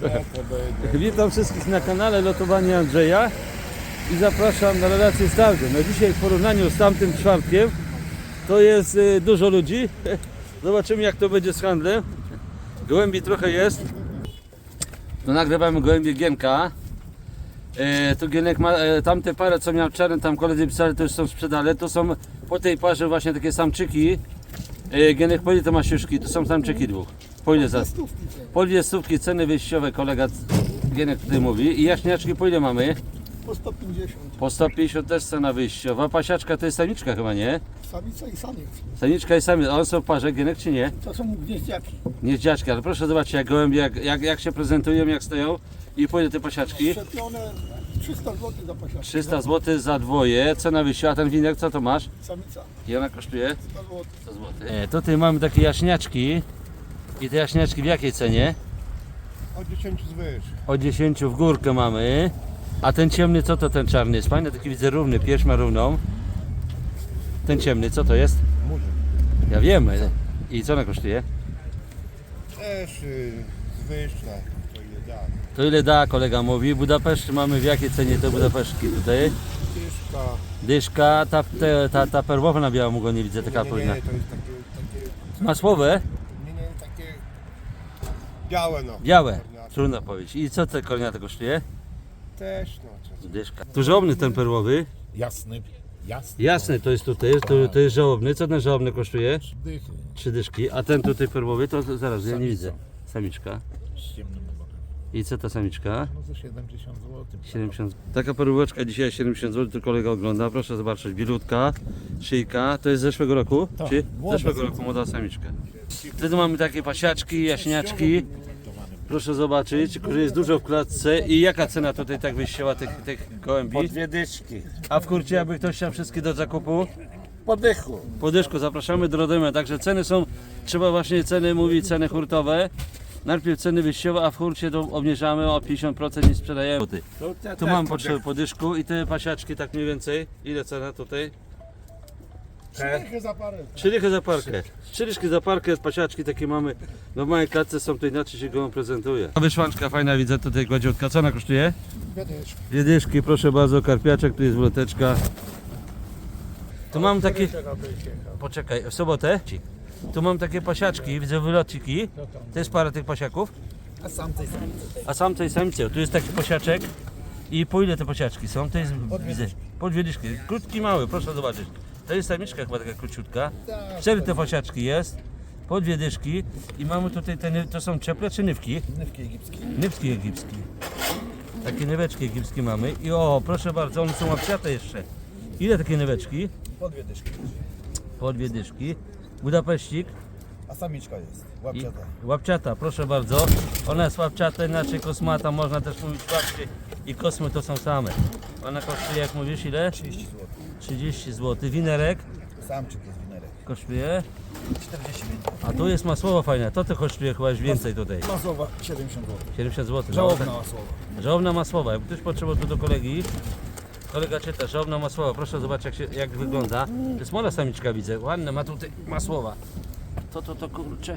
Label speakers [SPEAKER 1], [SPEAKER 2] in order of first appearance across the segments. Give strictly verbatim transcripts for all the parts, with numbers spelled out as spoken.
[SPEAKER 1] Witam wszystkich na kanale Lotowanie Andrzeja i zapraszam na relację z targu. No dzisiaj w porównaniu z tamtym czwartkiem to jest y, dużo ludzi. Zobaczymy, jak to będzie z handlem. Gołębi trochę jest. To nagrywamy gołębie Gienka. E, tu Gienek ma e, tamte parę, co miał czarne, tam koledzy pisali, to już są sprzedane. To są po tej parze właśnie takie samczyki. E, Gienek, po ile to ma siuszki? To są samczyki dwóch. Po ile za? Po ile stówki ceny wyjściowe, kolega Gienek tutaj mówi. I jaśniaczki po ile mamy?
[SPEAKER 2] Po sto pięćdziesiąt.
[SPEAKER 1] Po sto pięćdziesiąt też cena wyjściowa. Pasiaczka to jest samiczka chyba, nie?
[SPEAKER 2] Samica i samiec.
[SPEAKER 1] Samiczka i samiec. A one są w parze, Gienek, czy nie?
[SPEAKER 2] To są gnieździaki.
[SPEAKER 1] Gnieździaczki, ale proszę zobaczyć, jak gołębie, jak, jak, jak się prezentują, jak stoją. I po ile te pasiaczki?
[SPEAKER 2] Szczepione trzysta złotych za pasiaczkę.
[SPEAKER 1] trzysta złotych za dwoje. Cena wyjściowa. A ten winek, co to masz?
[SPEAKER 2] Samica
[SPEAKER 1] I ona kosztuje?
[SPEAKER 2] sto złotych.
[SPEAKER 1] sto złotych. E, tutaj mamy takie jaśniaczki. I te jaśniaczki w jakiej cenie?
[SPEAKER 2] Od dziesięciu zwyż.
[SPEAKER 1] Od dziesięciu w górkę mamy. A ten ciemny, co to ten czarny jest? Fajny, taki widzę równy, pierś ma równą. Ten ciemny, co to jest?
[SPEAKER 2] Murzyn.
[SPEAKER 1] Ja wiem. I co ona kosztuje?
[SPEAKER 2] Też y, zwyż, tak. To ile da.
[SPEAKER 1] To ile da, kolega mówi. Budapeszt mamy w jakiej cenie te Budapesztki tutaj?
[SPEAKER 2] Tyszka.
[SPEAKER 1] Dyszka, ta, te, ta, ta perłowa na białą go nie widzę, taka
[SPEAKER 2] Nie, nie,
[SPEAKER 1] powinna.
[SPEAKER 2] nie, to jest takie, takie...
[SPEAKER 1] Masłowe?
[SPEAKER 2] Nie, nie, takie... Białe no.
[SPEAKER 1] Białe.
[SPEAKER 2] Korniate.
[SPEAKER 1] Trudno powiedzieć. I co te korniate kosztuje?
[SPEAKER 2] Też no. Co-
[SPEAKER 1] Dyszka. Tu żałobny ten perłowy.
[SPEAKER 3] Jasny, jasny.
[SPEAKER 1] Jasny to jest tutaj, to, to jest żałobny. Co ten żałobny kosztuje?
[SPEAKER 3] Dychy
[SPEAKER 1] Trzy dyszki. A ten tutaj perłowy to to zaraz, ja nie widzę. Samiczka.
[SPEAKER 3] z ciemnym ogonem.
[SPEAKER 1] I co ta samiczka?
[SPEAKER 3] No za siedemdziesiąt złotych.
[SPEAKER 1] siedemdziesiąt. Taka perłóweczka dzisiaj siedemdziesiąt złotych, to kolega ogląda. Proszę zobaczyć, bilutka, szyjka. To jest z zeszłego roku?
[SPEAKER 3] Tak,
[SPEAKER 1] Czy? Z
[SPEAKER 3] młoda
[SPEAKER 1] zeszłego
[SPEAKER 3] samiczka.
[SPEAKER 1] roku młoda samiczka. Wtedy mamy takie pasiaczki, jaśniaczki. Proszę zobaczyć, że jest dużo w klatce. I jaka cena tutaj tak wyjściowa tych, tych gołębi?
[SPEAKER 3] Dwie dyszki.
[SPEAKER 1] A w kurcie, jakby ktoś chciał wszystkie do zakupu?
[SPEAKER 3] Po dychu.
[SPEAKER 1] Po dyszku zapraszamy do Radomia. Także ceny są, trzeba właśnie ceny mówić, ceny hurtowe. Najpierw ceny wyjściowe, a w hurcie to obniżamy o pięćdziesiąt procent i sprzedajemy. Tu mam potrzebę po dyszku i te pasiaczki tak mniej więcej. Ile cena tutaj?
[SPEAKER 2] Dychy za parę.
[SPEAKER 1] Trzy dychy za parkę. Trzy dyszki za parkę, pasiaczki takie mamy. No w mojej klatce są, to inaczej się go prezentuje. Wyszłanczka fajna, widzę tutaj gładziutka. Co ona kosztuje?
[SPEAKER 2] Dwie dyszki.
[SPEAKER 1] Dwie dyszki, proszę bardzo, karpiaczek, tu jest wloteczka. Tu mam takie... Poczekaj, w sobotę? Tu mam takie pasiaczki, widzę wylociki. To jest parę tych pasiaków.
[SPEAKER 2] A sam tej samicy.
[SPEAKER 1] A sam tej samicy, tu jest taki pasiaczek. I po ile te pasiaczki są? To jest, widzę, po dwie dyszki. Krótki, mały, proszę zobaczyć. To jest samiczka chyba taka króciutka. Cztery te pasiaczki jest. Po dwie dyszki. I mamy tutaj te, ny- to są cieple czy nywki?
[SPEAKER 2] Nywki egipskie.
[SPEAKER 1] Nywki egipskie. Takie nyweczki egipskie mamy. I o, proszę bardzo, one są łapciate jeszcze. Ile takie nyweczki?
[SPEAKER 2] Po dwie dyszki.
[SPEAKER 1] Po dwie dyszki. Budapeścik.
[SPEAKER 2] A samiczka jest.
[SPEAKER 1] I
[SPEAKER 2] Łapciata.
[SPEAKER 1] łapciata, proszę bardzo. Ona jest łapciata, inaczej kosmata, można też mówić łapcie i kosmy to są same. Ona kosztuje, jak mówisz, ile?
[SPEAKER 2] trzydzieści złotych.
[SPEAKER 1] trzydzieści złotych. Winerek
[SPEAKER 2] Samczyk jest winerek.
[SPEAKER 1] kosztuje.
[SPEAKER 2] czterdzieści pięć złotych.
[SPEAKER 1] A tu jest masłowa fajna, to to kosztuje chyba już więcej tutaj.
[SPEAKER 2] Mazowa siedemdziesiąt złotych.
[SPEAKER 1] siedemdziesiąt złotych.
[SPEAKER 2] Żałobna
[SPEAKER 1] No,
[SPEAKER 2] masłowa.
[SPEAKER 1] tak. Żałobna masłowa. Jak ktoś potrzebował tu do kolegi, kolega czyta, żałobna masłowa. Proszę zobaczyć, jak, się, jak wygląda. To jest młoda samiczka, widzę. Ładna, ma tutaj masłowa. To, to, to kurczę.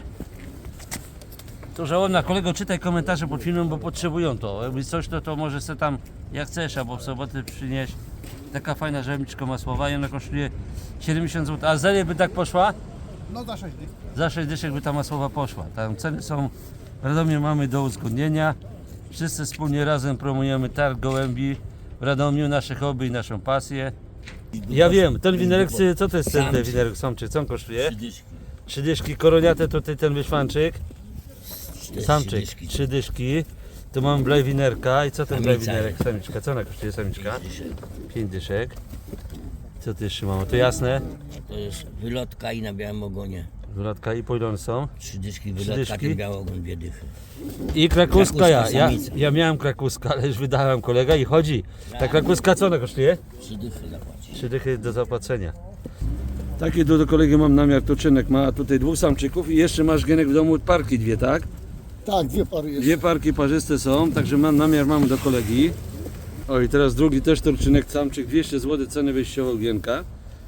[SPEAKER 1] To żałobna. Kolego, czytaj komentarze pod filmem, bo potrzebują to. Jakby coś, to, to może se tam jak chcesz, albo w sobotę przynieść. Taka fajna żemiczka masłowa i ona kosztuje siedemdziesiąt złotych. A za ile by tak poszła?
[SPEAKER 2] No za sześć dych.
[SPEAKER 1] Za sześć dyszek by ta masłowa poszła. Tam ceny są, w Radomiu mamy do uzgodnienia. Wszyscy wspólnie razem promujemy targ gołębi w Radomiu, nasze hobby i naszą pasję. Ja wiem, ten winerek, co to jest ten ten winerek samczyk, co on kosztuje? Trzy dyszki, koroniate tutaj ten wyszwanczyk. Samczyk, trzy dyszki. Tu mam blej winerka i co ten blej winerek, samiczka, co ona kosztuje samiczka? Pięć dyszek. Co ty jeszcze mamy, to jasne?
[SPEAKER 4] To jest wylotka i na białym ogonie.
[SPEAKER 1] Wylotka i po ile one są?
[SPEAKER 4] Trzy dyszki
[SPEAKER 1] Trzy
[SPEAKER 4] wylotka,
[SPEAKER 1] dyszki?
[SPEAKER 4] ten biały ogon, dwie dychy.
[SPEAKER 1] I krakuska ja,
[SPEAKER 4] Krakuska
[SPEAKER 1] ja,
[SPEAKER 4] samica.
[SPEAKER 1] ja miałem krakuska, ale już wydałem kolega i chodzi. Ta krakuska co ona kosztuje?
[SPEAKER 4] Trzy dychy zapłacić.
[SPEAKER 1] Trzy dychy do zapłacenia. Taki do, do kolegi mam namiar, tuczynek ma tutaj dwóch samczyków i jeszcze masz Gienek w domu parki dwie, tak?
[SPEAKER 2] Tak, dwie pary jest.
[SPEAKER 1] Dwie parki parzyste są, także mam namiar mamy do kolegi. O i teraz drugi też turczynek samczyk, dwieście złotych ceny wyjściowe u Gienka.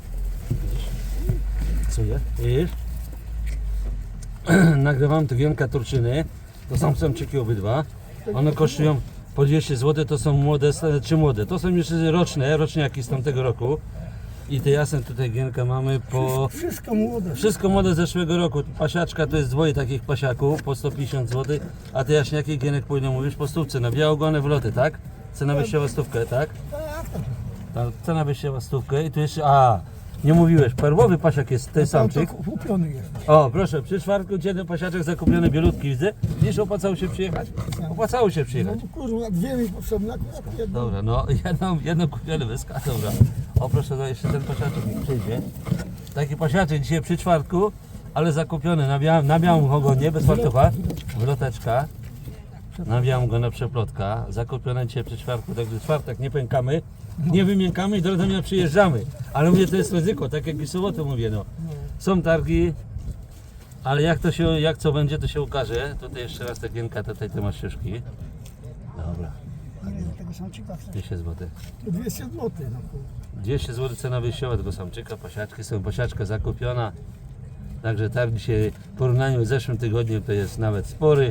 [SPEAKER 1] Co je? Widzisz? Nagrywam tu Gienka turczyny. To są samczyki obydwa. One kosztują po dwieście złotych, to są młode, czy młode. To są już roczne, roczniaki z tamtego roku. I te jasne tutaj gienka mamy po...
[SPEAKER 5] Wszystko młode.
[SPEAKER 1] Wszystko młode z zeszłego roku. Pasiaczka to jest dwoje takich pasiaków po sto pięćdziesiąt złotych, a te jaśniaki gienek po ile mówisz? Po stówce, na białogony wloty, tak? Cena wyjściowa stówkę, tak? Ta cena wyjściowa stówkę i tu jeszcze, a nie mówiłeś, perłowy pasiak jest ten samczyk.
[SPEAKER 5] Kupiony jest.
[SPEAKER 1] O, proszę, przy czwartku jeden pasiaczek zakupiony bielutki, widzę. Wiesz, opłacało się przyjechać? Opłacało się
[SPEAKER 5] No
[SPEAKER 1] przyjechać.
[SPEAKER 5] kurwa, dwie mi potrzebne, akurat jedno.
[SPEAKER 1] Dobra, no jedną, jedną kupiony wyska, dobra. O, proszę, no jeszcze ten pasiaczek mi przyjdzie. Taki pasiaczek dzisiaj przy czwartku, ale zakupiony na, bia na białym ogonie, bez fartucha. Wloteczka. Na białym go na przeplotka. Zakupione dzisiaj przy czwartku, także czwartek nie pękamy. Nie wymiękamy i do Radomia przyjeżdżamy. Ale mówię, to jest ryzyko, tak jak i w sobotę mówię, no. Są targi, ale jak to się, jak co będzie, to się ukaże. Tutaj jeszcze raz ta gienka, tutaj te masz szyszki. Dobra,
[SPEAKER 5] Tego samczyka chcę.
[SPEAKER 1] dwieście złotych.
[SPEAKER 5] dwieście złotych. No, kurwa.
[SPEAKER 1] dwieście złotych cena wyjściowa tego samczyka, pasiaczki są, pasiaczka zakupiona. Także targ dzisiaj w porównaniu z zeszłym tygodniem to jest nawet spory.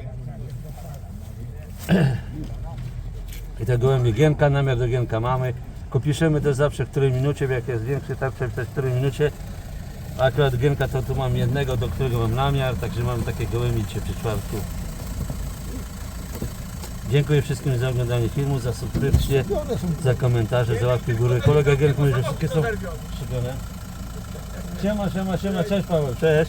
[SPEAKER 1] I te gołębie gienka, namiar do gienka mamy. Kopiszemy też zawsze w której minucie, jak jest większy targ, w której minucie. A akurat gienka to tu mam jednego, do którego mam namiar, także mam takie gołębie dzisiaj przy czwartku. Dziękuję wszystkim za oglądanie filmu, za subskrypcję, za komentarze, za łapki w górę. Kolega Gierek mówi, że wszystkie są szybione. Siema, siema, siema, cześć Paweł, cześć.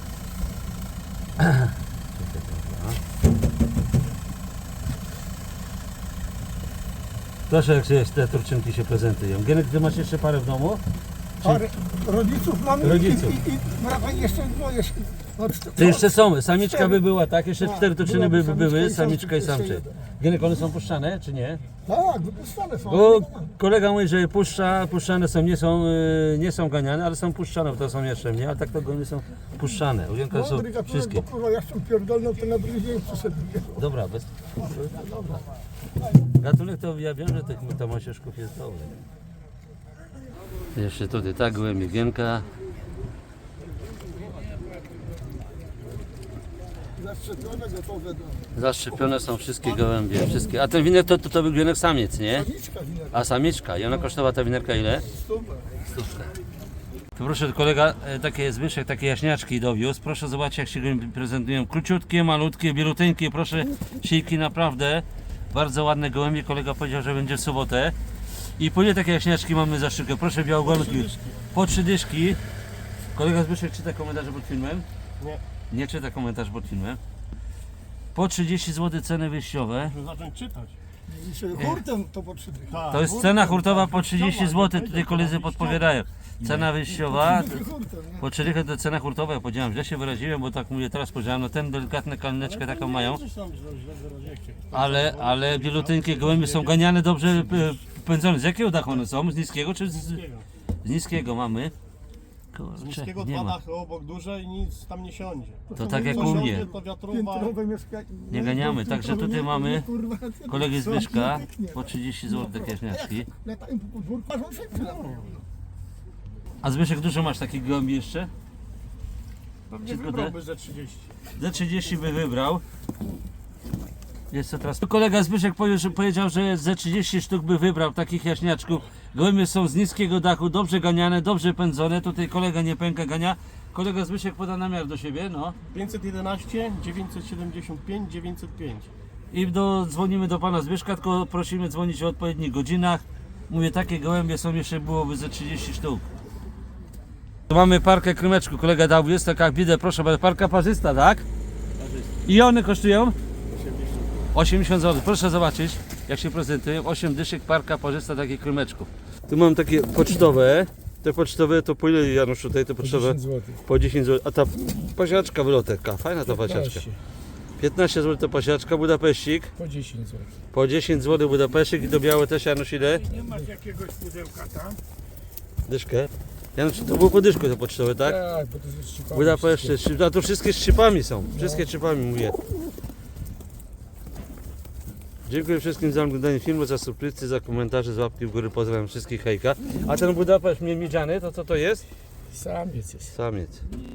[SPEAKER 1] Proszę, jak się te turczynki się prezentują. Gierek, ty masz jeszcze parę w domu?
[SPEAKER 5] Parę rodziców mamy
[SPEAKER 1] Rodziców.
[SPEAKER 5] i, i, i brakuje jeszcze dwoje. No,
[SPEAKER 1] To jeszcze są, samiczka
[SPEAKER 5] Cztery.
[SPEAKER 1] by była, tak? Jeszcze
[SPEAKER 5] Tak,
[SPEAKER 1] cztery turczyny by
[SPEAKER 5] byłaby
[SPEAKER 1] by były,
[SPEAKER 5] samiczka i
[SPEAKER 1] samiczka i
[SPEAKER 5] samczyk, jeszcze
[SPEAKER 1] samczyk.
[SPEAKER 5] jeden.
[SPEAKER 1] Gierek, one są puszczane, czy nie?
[SPEAKER 5] Tak, wypuszczane są.
[SPEAKER 1] Bo kolega mówi, że puszcza, puszczane są, nie są, y, nie są ganiane, ale są puszczane, bo to są jeszcze nie, ale tak to nie są puszczane. Ugienka są
[SPEAKER 5] Mądry gatunek,
[SPEAKER 1] wszystkie.
[SPEAKER 5] bo kurwa, ja się pierdolną, to na drugi dzień przyszedł.
[SPEAKER 1] Dobra, bez... Dobra. Gatunek to ja wiem, że tych tomasiuszków jest dobry. Jeszcze tutaj tak, gołębie gienka.
[SPEAKER 5] Zaszczepione, gotowe do...
[SPEAKER 1] Zaszczepione są wszystkie gołębie, wszystkie. A ten winek to, to, to był gienek samiec, nie?
[SPEAKER 5] Samiczka wina.
[SPEAKER 1] A samiczka. I ona kosztowała ta winerka ile?
[SPEAKER 5] Super.
[SPEAKER 1] Stówkę. Tu proszę, kolega, e, takie Zbyszek, takie jaśniaczki dowiózł. Proszę zobaczyć, jak się gołębie prezentują. Króciutkie, malutkie, bieluteńkie. Proszę, siejki naprawdę. Bardzo ładne gołębie. Kolega powiedział, że będzie w sobotę. I po ile takie jaśniaczki mamy za sztukę? Proszę, białogonki. Po trzy dyszki. Kolega Zbyszek czyta komentarze pod filmem?
[SPEAKER 2] Nie.
[SPEAKER 1] Nie czyta komentarzy pod filmem. Po trzydzieści złotych ceny wyjściowe.
[SPEAKER 2] Muszę zacząć czytać.
[SPEAKER 5] Dzisiaj hurtem to potrzebuje.
[SPEAKER 2] Tak.
[SPEAKER 1] To jest cena hurtowa po trzydzieści złotych. Tutaj koledzy podpowiadają. Cena wyjściowa.
[SPEAKER 5] Hurtem, nie?
[SPEAKER 1] Po czterech to cena hurtowa, ja powiedziałem, źle się wyraziłem, bo tak mówię, teraz powiedziałem, no ten delikatne kalineczkę taką mają,
[SPEAKER 2] Coś tam źle wyraziłeś.
[SPEAKER 1] ale, ale wieluteńkie gołębie są ganiane, dobrze e, pędzone. Z jakiego dachu one są? Z niskiego czy z, z niskiego mamy? Kurczę,
[SPEAKER 2] Z niskiego
[SPEAKER 1] nie
[SPEAKER 2] dwa
[SPEAKER 1] ma.
[SPEAKER 2] dachy obok duże i nic tam nie siądzie.
[SPEAKER 1] To tak jak
[SPEAKER 2] Co
[SPEAKER 1] u
[SPEAKER 2] siądzie,
[SPEAKER 1] mnie.
[SPEAKER 2] to wiatrowa.
[SPEAKER 5] Piętrowe mieszkanie.
[SPEAKER 1] Nie ganiamy, także tutaj mamy
[SPEAKER 5] Kurwa,
[SPEAKER 1] kolegi
[SPEAKER 5] co?
[SPEAKER 1] Zbyszka,
[SPEAKER 5] Pięknie.
[SPEAKER 1] po trzydzieści złotych takie jaśniaczki.
[SPEAKER 5] Latają po podwórku, aż on się chwilą.
[SPEAKER 1] A Zbyszek, dużo masz takich gołębi jeszcze?
[SPEAKER 2] Pewnie
[SPEAKER 1] Wszystko
[SPEAKER 2] wybrałby ze trzydzieści.
[SPEAKER 1] Za trzydzieści by wybrał. Jest to teraz. Kolega Zbyszek powie- że- powiedział, że ze trzydzieści sztuk by wybrał takich jaśniaczków. Gołębie są z niskiego dachu, dobrze ganiane, dobrze pędzone. Tutaj kolega nie pęka gania. Kolega Zbyszek poda namiar do siebie, no.
[SPEAKER 2] pięćset jedenaście, dziewięćset siedemdziesiąt pięć, dziewięćset pięć.
[SPEAKER 1] I do, dzwonimy do pana Zbyszka, tylko prosimy dzwonić w odpowiednich godzinach. Mówię, takie gołębie są, jeszcze byłoby ze trzydzieści sztuk. Tu mamy parkę krymeczku, kolega dał, jest taka, jak widzę, proszę bardzo, parka parzysta, tak? I one kosztują? osiemdziesiąt złotych. Proszę zobaczyć, jak się prezentują. osiem dyszek, parka parzysta, takich krymeczków. Tu mam takie pocztowe. Te pocztowe to po ile, Janusz, tutaj te pocztowe? Po dziesięć złotych. A ta pasiaczka wylotek, fajna ta pasiaczka. piętnaście złotych to pasiaczka, Budapeścik.
[SPEAKER 3] Po dziesięć złotych.
[SPEAKER 1] Po dziesięć złotych Budapeścik i do białe też, Janusz, ile?
[SPEAKER 3] Nie masz jakiegoś pudełka tam?
[SPEAKER 1] Dyszkę. Janusz, to było po dyszku te pocztowe, tak?
[SPEAKER 3] Tak, bo to jest szczypane.
[SPEAKER 1] Budapeszt, szczyp- a to wszystkie z szczypami są. Wszystkie z szczypami mówię. Dziękuję wszystkim za oglądanie filmu, za subskrypcję, za komentarze, za łapki w górę. Pozdrawiam wszystkich, hejka. A ten Budapeszt miedziany, to co to jest?
[SPEAKER 3] Samiec jest.
[SPEAKER 1] Samiec.